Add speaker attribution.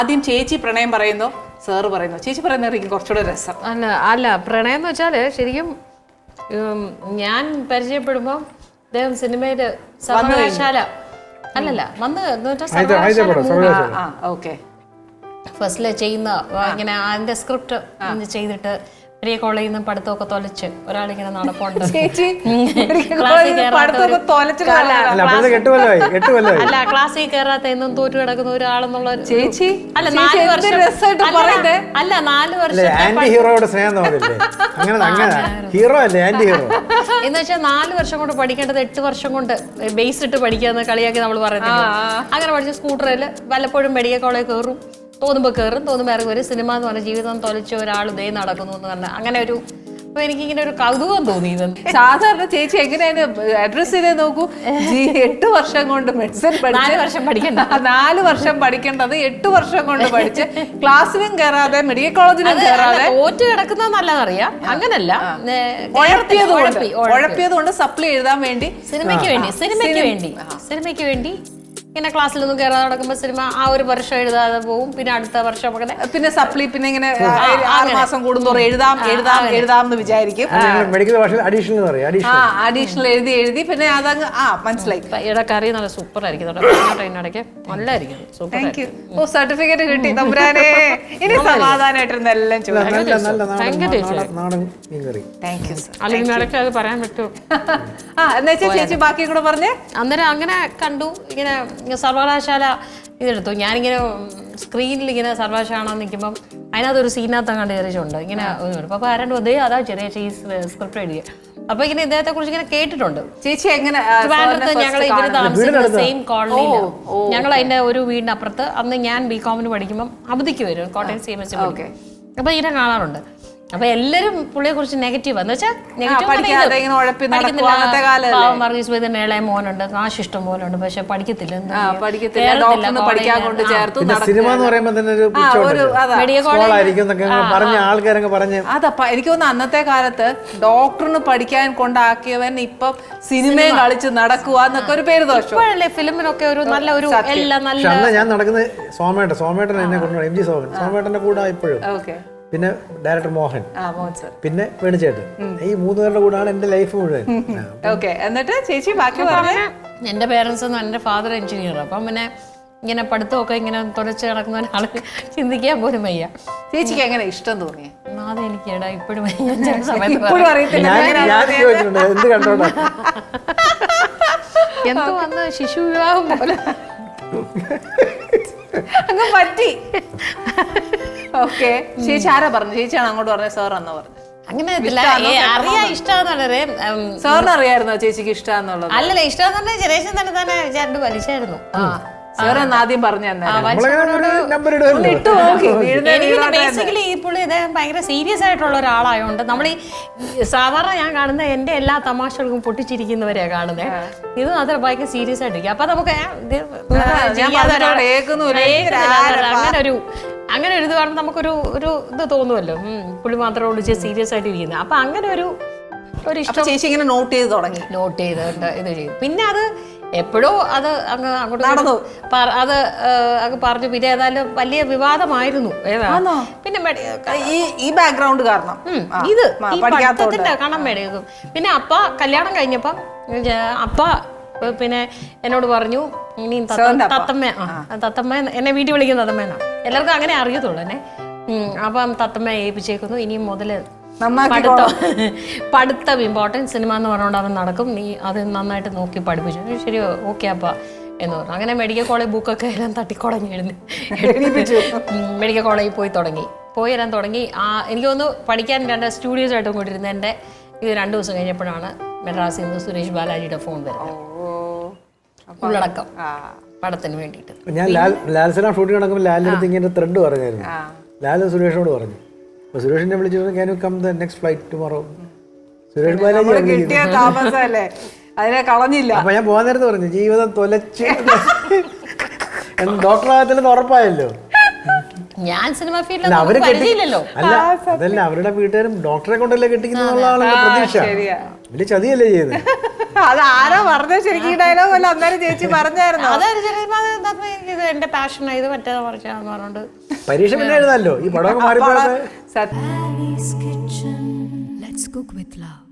Speaker 1: ആദ്യം ചേച്ചി പ്രണയം പറയുന്നു, സാറ് പറയുന്നു. ചേച്ചി പറയുന്നതായിരിക്കും കുറച്ചുകൂടെ രസം.
Speaker 2: അല്ല പ്രണയം എന്ന് വെച്ചാല് ശരിക്കും ഞാൻ പരിചയപ്പെടുമ്പോൾ അദ്ദേഹം സിനിമയില് സർവകലാശാല അല്ലല്ല വന്ന് ഫസ്റ്റില് ചെയ്യുന്ന ഇങ്ങനെ അതിന്റെ സ്ക്രിപ്റ്റ് ചെയ്തിട്ട് പ്രിയ കോളേജിൽ നിന്ന് പഠിത്തമൊക്കെ തൊലച്ച് ഒരാളിങ്ങനെ നടപ്പുണ്ട്. അല്ല ക്ലാസ്സിൽ കയറാത്ത എന്നും തോറ്റു കിടക്കുന്ന ഒരാളെന്നുള്ള ചേച്ചി അല്ല 4 വർഷം അല്ല 4 വർഷം എന്ന് വെച്ചാൽ 4 വർഷം കൊണ്ട് പഠിക്കേണ്ടത് 8 വർഷം കൊണ്ട് ബേസ് ഇട്ട് പഠിക്കാന്ന് കളിയാക്കി നമ്മൾ പറയുന്നത്. അങ്ങനെ പഠിച്ച സ്കൂട്ടറിൽ വല്ലപ്പോഴും മെഡിക്കൽ കോളേജ് കയറും, തോന്നുമ്പോൾ കയറും, തോന്നുമ്പോൾ ഇറങ്ങി വരും. സിനിമ എന്ന് പറഞ്ഞ ജീവിതം തൊലച്ച ഒരാൾ ഇതേ നടക്കുന്നു എന്ന് പറഞ്ഞാൽ അങ്ങനെ ഒരു അപ്പൊ എനിക്കിങ്ങനെ ഒരു കൗതുകം തോന്നി.
Speaker 1: സാധാരണ ചേച്ചി എങ്ങനെയാണ് അഡ്രസ് ചെയ്തേ നോക്കൂ. 8 വർഷം കൊണ്ട് മെഡിസിൻ
Speaker 2: 4 വർഷം പഠിക്കണ്ട,
Speaker 1: 4 വർഷം പഠിക്കേണ്ടത് 8 വർഷം കൊണ്ട് പഠിച്ച് ക്ലാസ്സിലും കയറാതെ മെഡിക്കൽ കോളേജിലും കയറാതെ
Speaker 2: തോറ്റ് കിടക്കുന്നത് നല്ലതറിയാം. അങ്ങനല്ല,
Speaker 1: ഉഴപ്പിയത് കൊണ്ട് സപ്ലി എഴുതാൻ വേണ്ടി
Speaker 2: സിനിമയ്ക്ക് വേണ്ടി ഇങ്ങനെ ക്ലാസ്സിലൊന്നും കയറാതെ നടക്കുമ്പോൾ സിനിമ ആ ഒരു വർഷം എഴുതാതെ പോകും. പിന്നെ അടുത്ത വർഷം
Speaker 1: പിന്നെ സപ്ലി പിന്നെ ഇങ്ങനെ 6 മാസം കൂടുന്തോറും എഴുതാം എന്ന് വിചാരിക്കും. അഡീഷണൽ എഴുതി പിന്നെ അതങ്ങ് മനസ്സിലായി.
Speaker 2: ഇവിടെ കറി നല്ല സൂപ്പർ ആയിരിക്കും, ഇടയ്ക്ക് നല്ലായിരിക്കും.
Speaker 1: സർട്ടിഫിക്കറ്റ് കിട്ടി തമ്പുരാനെ. ഇനി സമാധാനമായിട്ടിരുന്ന എല്ലാം
Speaker 2: അല്ലെങ്കിൽ ഇടയ്ക്ക് അത് പറയാൻ പറ്റുമോ?
Speaker 1: എന്നുവെച്ചാൽ ചേച്ചി ബാക്കി കൂടെ പറഞ്ഞേ.
Speaker 2: അന്നേരം അങ്ങനെ കണ്ടു. ഇങ്ങനെ സർവകലാശാല ഇതെടുത്തു. ഞാനിങ്ങനെ സ്ക്രീനിൽ ഇങ്ങനെ സർവകലാശാല നിൽക്കുമ്പം അതിനകത്തൊരു സീനകത്ത് കണ്ട് കയറിച്ചുണ്ട് ഇങ്ങനെ. അപ്പൊ ആരാണ്ട് അതേ അതാ ചെറിയ സ്ക്രിപ്റ്റ് എഴുതിയ. അപ്പൊ ഇങ്ങനെ ഇദ്ദേഹത്തെ കുറിച്ച് ഇങ്ങനെ കേട്ടിട്ടുണ്ട്.
Speaker 1: ചേച്ചി എങ്ങനെ
Speaker 2: ഞങ്ങൾ ഇവര് താമസിക്കുന്ന സെയിം കോളനിയില്, ഞങ്ങൾ അതിന്റെ ഒരു വീടിന്റെ അപ്പുറത്ത്. അന്ന് ഞാൻ ബികോമിന് പഠിക്കുമ്പോൾ അവധിക്ക് വരും, കോട്ടയം CMS. അപ്പൊ ഇതിനെ കാണാറുണ്ട്. അപ്പൊ എല്ലാരും പുള്ളിയെ കുറിച്ച് നെഗറ്റീവ് എന്ന് വെച്ചാൽ വർഗീസ് വൈദ്യന്റെ ഇളയ മോനുണ്ട്, കാശ് ഇഷ്ടം മോനുണ്ട്, പക്ഷെ പഠിക്കത്തില്ല.
Speaker 1: എനിക്ക് തോന്നുന്നു അന്നത്തെ കാലത്ത് ഡോക്ടറിന് പഠിക്കാൻ കൊണ്ടാക്കിയവൻ ഇപ്പൊ സിനിമയും കളിച്ച് നടക്കുക എന്നൊക്കെ ഒരു പേര് ദോഷം.
Speaker 2: ഇപ്പോഴല്ലേ ഫിലിമിനൊക്കെ ഒരു നല്ല ഒരു എല്ലാം നല്ല.
Speaker 3: ഞാൻ നടക്കുന്നത് സോമേട്ടൻ എന്നെ കൊണ്ടുപോയി, MG സോമേട്ടന്റെ കൂടെ ഇപ്പോഴും. പിന്നെ ഡയറക്ടർ മോഹൻ, പിന്നെ വേണുചേട്ടൻ. ഈ 3 പേരുടെ കൂടാണ് എന്റെ ലൈഫ് മുഴുവൻ.
Speaker 1: എന്നിട്ട് ചേച്ചി ബാക്കി പറഞ്ഞു.
Speaker 2: എന്റെ പേരൻസ് ഒന്നും, എന്റെ ഫാദർ എഞ്ചിനീയർ. അപ്പം പിന്നെ ഇങ്ങനെ പഠിത്തമൊക്കെ ഇങ്ങനെ തുറച്ച് നടക്കുന്ന ഒരാൾ ചിന്തിക്കാൻ പോലും വയ്യ.
Speaker 1: ചേച്ചിക്ക് എങ്ങനെ ഇഷ്ടം തോന്നിയ?
Speaker 2: അതെനിക്ക് ഇടാ ഇപ്പോഴും എന്തോ വന്ന് ശിശു വിവാഹം പോലെ
Speaker 1: അങ്ങ് പറ്റി. ഓക്കെ, ചേച്ചി ആരാ പറഞ്ഞു? ചേച്ചിയാണ് അങ്ങോട്ട് പറഞ്ഞത്, സാർ എന്നാ പറഞ്ഞു?
Speaker 2: അങ്ങനെ അറിയാ ഇഷ്ടമാണെന്നുള്ളത്.
Speaker 1: സാറിന് അറിയായിരുന്നോ ചേച്ചിക്ക് ഇഷ്ടമാന്നുള്ളത്?
Speaker 2: അല്ലല്ല, ഇഷ്ടമാണെന്നുണ്ടെങ്കിൽ ജനേശൻ തന്നെ വിചാരിച്ചു വലിച്ചായിരുന്നു.
Speaker 1: ആദ്യം പറഞ്ഞു
Speaker 2: ബേസിക്കലി ഈ പുള്ളി ഇദ്ദേഹം ഭയങ്കര സീരിയസ് ആയിട്ടുള്ള ഒരാളായോണ്ട് നമ്മൾ ഈ സാധാരണ ഞാൻ കാണുന്ന എന്റെ എല്ലാ തമാശകൾക്കും പൊട്ടിച്ചിരിക്കുന്നവരെയാ കാണുന്നത്. ഇത് മാത്രം ഭയങ്കര സീരിയസ് ആയിട്ടിരിക്കും. അപ്പൊ നമുക്ക് അങ്ങനെ ഒരു ഇത് കാണുമ്പോൾ നമുക്കൊരു ഇത് തോന്നുമല്ലോ, പുള്ളി മാത്രമേ വിളിച്ച് സീരിയസ് ആയിട്ട് ഇരിക്കുന്നത്. അപ്പൊ അങ്ങനെ ഒരു ഇഷ്ടം
Speaker 1: ചേച്ചി ഇങ്ങനെ നോട്ട്
Speaker 2: ചെയ്ത് ഇത് ചെയ്തു. പിന്നെ അത് എപ്പോഴോ അത് അങ്ങ് അങ്ങോട്ട് നടന്നു. അത് അങ്ങ് പറഞ്ഞു. പിന്നെ ഏതായാലും വലിയ വിവാദമായിരുന്നു. പിന്നെ
Speaker 1: ഈ ബാക്ക്ഗ്രൗണ്ട് കാരണം
Speaker 2: ഇത് പഠിത്തത്തിന്റെ കണം മേടിക്കും. പിന്നെ അപ്പ കല്യാണം കഴിഞ്ഞപ്പം അപ്പ പിന്നെ എന്നോട് പറഞ്ഞു, ഇനി തത്തമ്മ എന്നെ വീട്ടിൽ വിളിക്കുന്ന തത്തമ്മേന്നാ, എല്ലാവർക്കും അങ്ങനെ അറിയത്തുള്ളൂ എന്നെ. അപ്പം തത്തമ്മ ഏൽപ്പിച്ചേക്കുന്നു, ഇനിയും മുതല് പഠിത്തം ഇമ്പോർട്ടൻറ്റ്, സിനിമ എന്ന് പറഞ്ഞുകൊണ്ട് അവൻ നടക്കും, നീ അത് നന്നായിട്ട് നോക്കി പഠിപ്പിച്ചു. ശരി, ഓക്കെ അപ്പ എന്ന് പറഞ്ഞു. അങ്ങനെ മെഡിക്കൽ കോളേജ് ബുക്കൊക്കെ എല്ലാം തട്ടിക്കുടങ്ങി മെഡിക്കൽ കോളേജിൽ പോയി വരാൻ തുടങ്ങി. എനിക്ക് തോന്നുന്നു പഠിക്കാൻ 2 സ്റ്റുഡിയോസ് ആയിട്ടും കൊണ്ടിരുന്ന എൻ്റെ ഇത് 2 ദിവസം കഴിഞ്ഞപ്പോഴാണ് മെഡ്രാസിൽ നിന്ന് സുരേഷ് ബാലാജിയുടെ ഫോൺ വരുന്നത്, ഉള്ളടക്കം പടത്തിന് വേണ്ടിയിട്ട്.
Speaker 3: ഞാൻ ലാൽസലാം ഷൂട്ടിംഗ് നടക്കുമ്പോൾ ലാലിൻ്റെ അടുത്ത് ഇങ്ങനെ ത്രെഡ് പറഞ്ഞായിരുന്നു. ലാൽ സുരേഷിനോട് പറഞ്ഞു. അപ്പോൾ സുരേഷിനെ വിളിച്ചു, can you come the next flight tomorrow? Suresh Balaji
Speaker 1: അതിനെ കളഞ്ഞില്ല.
Speaker 3: അപ്പൊ ഞാൻ പോകാൻ നേരത്ത് പറഞ്ഞു, ജീവിതം തൊലച്ച് ഡോക്ടറാകത്തില്ലെന്ന് ഉറപ്പായല്ലോ.
Speaker 2: ഞാൻ സിനിമ ഫീൽഡിൽ
Speaker 3: അല്ല, അതല്ല അവരുടെ വീട്ടുകാരും ഡോക്ടറെ കൊണ്ടല്ലേ കെട്ടിക്കുന്നുള്ള പ്രതീക്ഷ. വലിയ ചതിയല്ലേ ചെയ്ത്.
Speaker 1: അത് ആരോ പറഞ്ഞ ശരിക്കും ഡയലോഗ് അല്ല അന്നേരം ചേച്ചി പറഞ്ഞായിരുന്നു.
Speaker 2: ഇത് എന്റെ പാഷനാണ്, ഇത് മറ്റേതാ മറിച്ചാന്ന് പറഞ്ഞോണ്ട്
Speaker 3: പരീക്ഷ പിന്നെ എഴുതാമല്ലോ. ഈ പടമൊക്കെ മാറിപ്പോയത്
Speaker 4: Annie's Kitchen. Let's cook with love.